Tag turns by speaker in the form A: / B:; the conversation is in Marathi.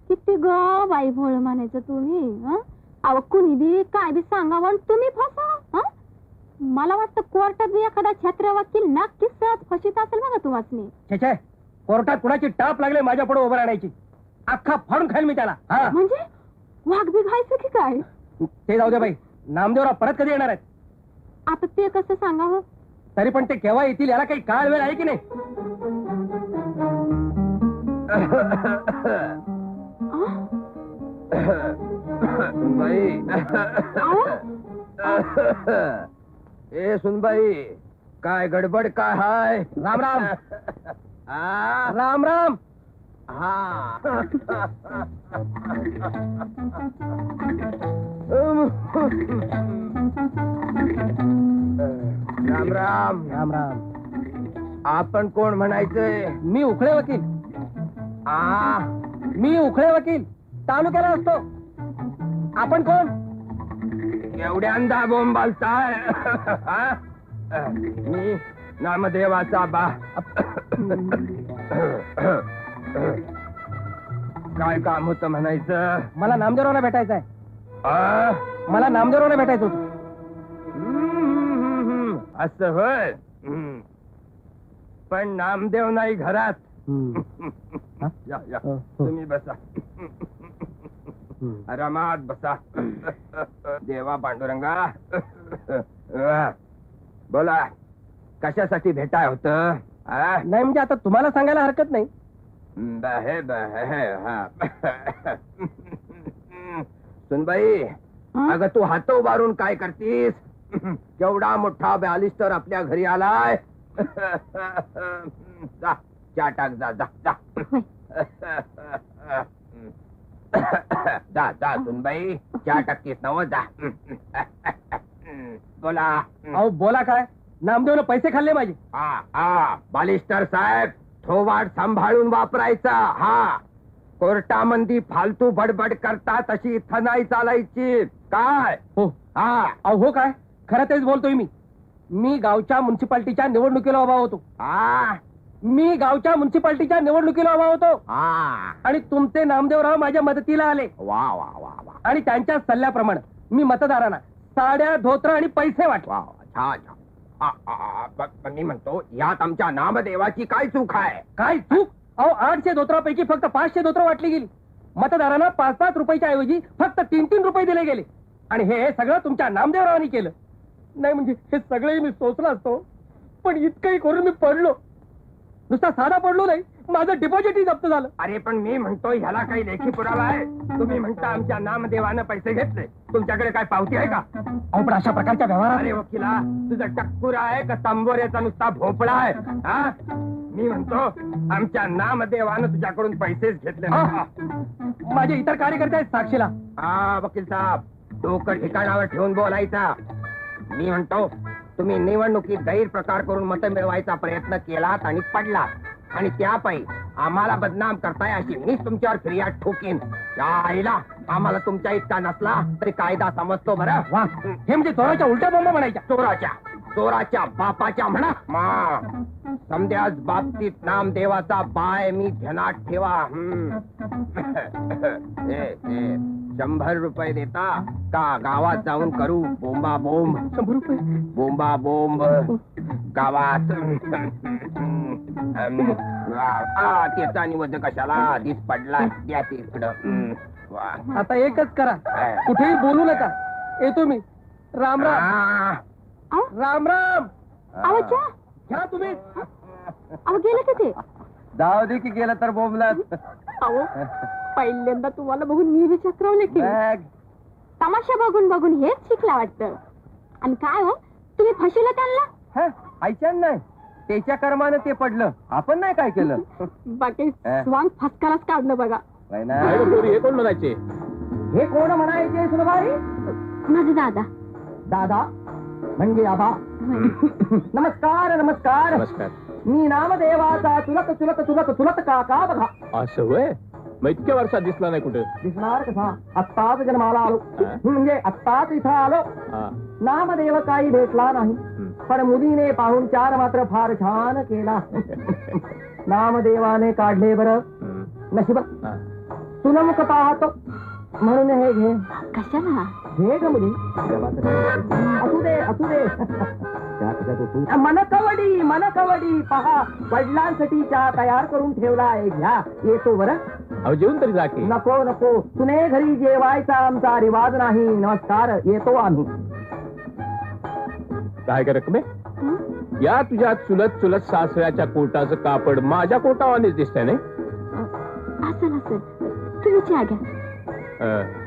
A: किती ग बाई भोळ म्हणायचं तुम्ही. अहो कुणी बी काय बी सांगावं आणि तुम्ही फसा. मला वाटतं कोर्टात बी एखादा छत्र वकील नक्कीच सहज फशीत असेल बघा तुम्हाला.
B: छे कोर्टात कुणाची टाप लागले माझ्या पुढे उभं राहण्याची. अख्खा फाडून खाईल मी त्याला.
A: म्हणजे वाघ बी घायचं की काय?
B: ते जाऊ दे बाई. नामदेवराव परत कधी येणार आहेत?
A: आता ते कसं सांगावं?
B: तरी पण ते केव्हा येतील याला काही काळ वेळ आहे की नाही?
C: सुनबाई ए सुनबाई काय गडबड काय हाय?
B: राम राम. राम राम.
C: राम राम.
B: राम राम.
C: आपण कोण म्हणायचंय?
B: मी उखळे वकील. मी उखळे वकील तालुक्याला असतो. आपण कोण?
C: एवढ्यांदा बोंबालताय? मी नामदेवाचा बा. काय काम होतं म्हणायचं?
B: मला नामदेवरावला भेटायचं आहे. मला नामदेवरावला भेटायचं होतं.
C: असं होय. पण नामदेव नाही घरात. या या तुम्ही बसा. आरामात बसा. देवा पांडुरंगा. बोला कशासाठी भेटाय होत?
B: नाही म्हणजे आता तुम्हाला सांगायला हरकत नाही.
C: सुनबाई अगं तू हात उभारून काय करतीस? केवढा मोठा बॅलिस्टर आपल्या घरी आलाय. जा चहा टाक. जा जा जा जा जा सुनबाई चहा टाकतीस नव. जा बोला.
B: अहो बोला काय? नामदेवनं पैसे खाल्ले माझे.
C: बालिस्टर साहेब थोवाड सांभाळून वापरायचा. कोर्टामंदी फालतू बडबड करता तशी इथं नाही चालायची. काय
B: हो? हो काय? खरं तेच बोलतोय मी. मी गावच्या म्युन्सिपाल्टीच्या निवडणुकीला उभा होतो. मी गावच्या म्युन्सिपाल्टीच्या निवडणुकीला उभा होतो. आणि तुमचे नामदेवराव माझ्या मदतीला आले.
C: वा वा वा वा.
B: आणि त्यांच्या सल्ल्याप्रमाणे मी मतदारांना साड्या धोत्र आणि पैसे वाटवा.
C: छान. मी म्हणतो यात आमच्या नामदेवाची काय चूक आहे?
B: काय चूक? अहो 800 धोत्रापैकी फक्त 500 धोत्र वाटली गेली. मतदारांना 5-5 रुपयाच्या ऐवजी फक्त 3-3 रुपये दिले गेले. आणि हे सगळं तुमच्या नामदेवरावांनी केलं. नाही म्हणजे हे सगळे मी सोचलं असतो. पण इतकंही करून मी पडलो. नुसता साधा पडलो नाही, माझं डिपॉझिटही जप्त झालं.
C: अरे पण मी म्हणतो ह्याला काही लेखी पुरावा आहे? तुम्ही म्हणता आमच्या नामदेवानं पैसे घेतले. तुमच्याकडे काय पावती आहे का?
B: अहो पण अशा प्रकारच्या व्यवहारात.
C: अरे वकिला तुझा टक्कुरा आहे का तांबोऱ्याचा नुसता भोपळा आहे? मी म्हणतो आमच्या नामदेवानं तुझ्याकडून पैसेच घेतले.
B: माझे इतर कार्यकर्ते आहेत साक्षीला.
C: वकील साहेब डोकं ठिकाणावर ठेवून बोलायचा. मी म्हणतो तुम्ही निवडणुकीत गैरप्रकार करून मतं मिळवायचा प्रयत्न केलात आणि पडलात. आणि त्यापायी आम्हाला बदनाम करताय अशी मीच तुमच्यावर फिर्याद ठोकीन. त्या आईला आम्हाला तुमच्या इतका नसला तरी कायदा समजतो बरं.
B: वा हे म्हणजे चोराच्या उलट्या बोंबा म्हणायच्या.
C: चोराच्या बापाच्या म्हणा. समद्याच बाबतीत नामदेवाचा बाय मी ध्यानात ठेवा. 100 रुपये देता का गावात जाऊन करू बोंबा बोंब?
B: 100 रुपये?
C: बोंबा बोंब गावात. त्याचा निवड कशाला दिस पडला. द्या तिकडं.
B: आता एकच करा, कुठेही बोलू नका. येतो मी. राम राम. राम राम. घ्या तुम्ही.
A: अहो गेलं का ते?
C: जाऊ दे की गेलं तर बोंबलात.
A: अहो पहिल्यांदा तुम्हाला बघून मी बी चक्रावले की. तमाशा बघून बघून हेच शिकला वाटतं. आणि काय हो तुम्ही फसवलं त्यांना?
C: ऐच्यान नाही त्याच्या कर्मानं ते पडलं. आपण नाही काय केलं.
A: बाकी स्वांग फसकालाच काढलं बघा.
B: हे कोण म्हणायचे? हे कोण म्हणायचे सुनबाई?
A: माझे दादा.
B: दादा म्हणजे आबा. नमस्कार नमस्कार.
D: नमस्कार.
B: मी नामदेवाचा चुलत चुलत चुलत चुलत काका बघा.
D: असं होय? मग इतक्या वर्षात दिसला नाही कुठे?
B: दिसणार कसा? आत्ताच जन्माला आलो. म्हणजे आत्ताच इथं आलो. नामदेव काही भेटला नाही. पण मुलीने पाहुणचार मात्र फार छान केला. नामदेवाने काढले बरं नशिब.
C: गुणमुख पाहतो म्हणून हे घे
A: कशाला
C: घे ग मुली असू दे असू दे मन कवडी पहा वडिलांसाठी चहा तयार करून ठेवला आहे घ्या येतो बरं
D: अहो जेवून तरी जा की.
C: नको नको तुने घरी जेवायचा आमचा रिवाज नाही नमस्कार येतो आम्ही
D: काय कर रकमे
A: हं?
D: या तुझ्या चुलत चुलत सासऱ्याच्या कोटाचं कापड माझ्या कोटावानेच दिसतंय नाही
A: असेल तुम्ही चहा घ्या